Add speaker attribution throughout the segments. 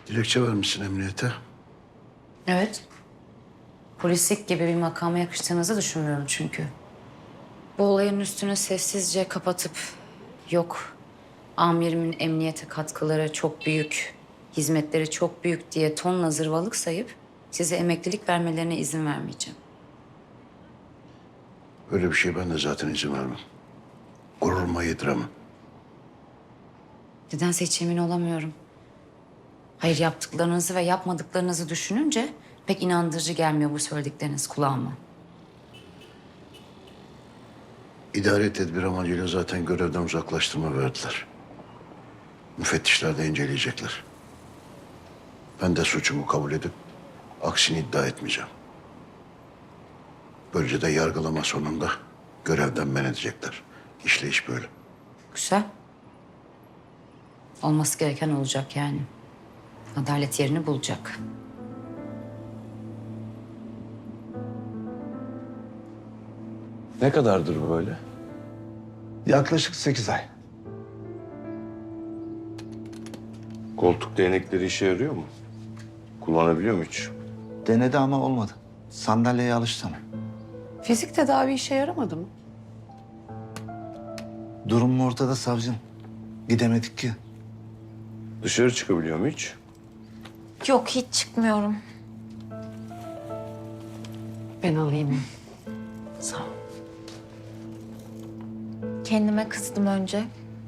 Speaker 1: Dilekçe vermişsin emniyete.
Speaker 2: Evet. Polislik gibi bir makama yakıştığınızı düşünmüyorum çünkü. Bu olayın üstünü sessizce kapatıp yok amirimin emniyete katkıları çok büyük, hizmetleri çok büyük diye tonla zırvalık sayıp size emeklilik vermelerine izin vermeyeceğim.
Speaker 1: Öyle bir şey ben de zaten izin vermem. Gururuma yediremem.
Speaker 2: Nedense hiç emin olamıyorum. Hayır, yaptıklarınızı ve yapmadıklarınızı düşününce pek inandırıcı gelmiyor bu söyledikleriniz kulağıma.
Speaker 1: İdari tedbir amacıyla zaten görevden uzaklaştırma verdiler. Müfettişler de inceleyecekler. Ben de suçumu kabul edip aksini iddia etmeyeceğim. Böylece de yargılama sonunda görevden men edecekler. İşleyiş böyle.
Speaker 2: Güzel. Olması gereken olacak yani. Adalet yerini bulacak.
Speaker 3: Ne kadardır bu böyle?
Speaker 4: Yaklaşık 8 ay.
Speaker 3: Koltuk değnekleri işe yarıyor mu? Kullanabiliyor mu hiç?
Speaker 4: Denedi ama olmadı. Sandalyeye alıştı ama.
Speaker 5: Fizik tedavi işe yaramadı mı?
Speaker 4: Durum ortada savcım. Gidemedik ki.
Speaker 3: Dışarı çıkabiliyor mu hiç?
Speaker 6: Yok, hiç çıkmıyorum.
Speaker 5: Ben alayım. Sağ ol.
Speaker 6: Kendime kızdım önce.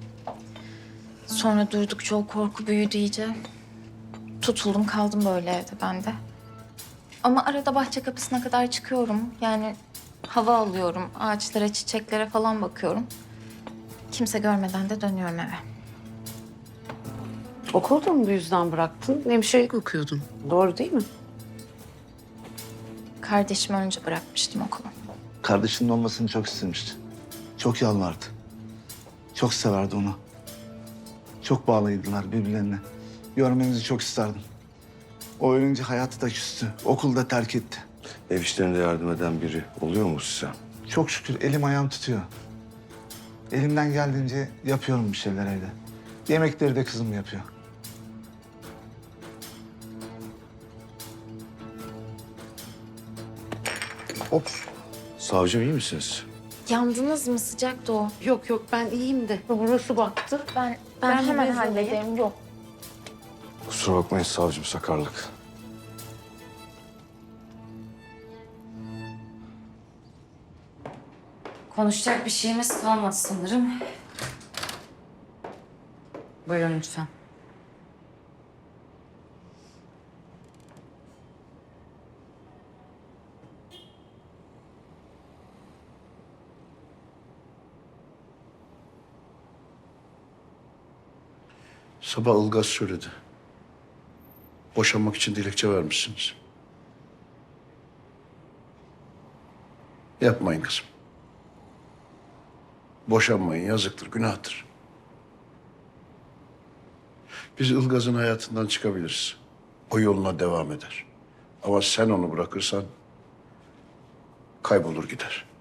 Speaker 6: Sonra durdukça o korku büyüdü iyice. Tutuldum kaldım böyle evde ben de. Ama arada bahçe kapısına kadar çıkıyorum. Yani hava alıyorum, ağaçlara, çiçeklere falan bakıyorum. Kimse görmeden de dönüyorum eve.
Speaker 5: Okulu da mı bu yüzden bıraktın? Hemşirelik okuyordun. Doğru değil mi?
Speaker 6: Kardeşimi önce bırakmıştım okulu.
Speaker 4: Kardeşinin olmasını çok istemişti. Çok yalvardı. Çok severdi onu. Çok bağlıydılar birbirlerine. Görmenizi çok isterdim. O ölünce hayatı da küstü. Okulu da terk etti.
Speaker 3: Ev işlerinde yardım eden biri oluyor mu size?
Speaker 4: Çok şükür elim ayağım tutuyor. Elimden geldiğince yapıyorum bir şeyler evde. Yemekleri de kızım yapıyor.
Speaker 3: Hop. Savcım iyi misiniz?
Speaker 6: Yandınız mı? Sıcaktı o.
Speaker 5: Yok yok ben iyiyim de. Burası baktı.
Speaker 6: Ben
Speaker 5: Ben bir
Speaker 6: hemen
Speaker 5: bez alayım.
Speaker 6: hallederim. Yok.
Speaker 3: Kusura bakmayın savcım, sakarlık.
Speaker 2: Konuşacak bir şeyimiz kalmadı sanırım. Buyurun lütfen.
Speaker 1: Sabah Ilgaz söyledi. Boşanmak için dilekçe vermişsiniz. Yapmayın kızım. Boşanmayın, yazıktır, günahtır. Biz Ilgaz'ın hayatından çıkabiliriz. O yoluna devam eder. Ama sen onu bırakırsan kaybolur gider.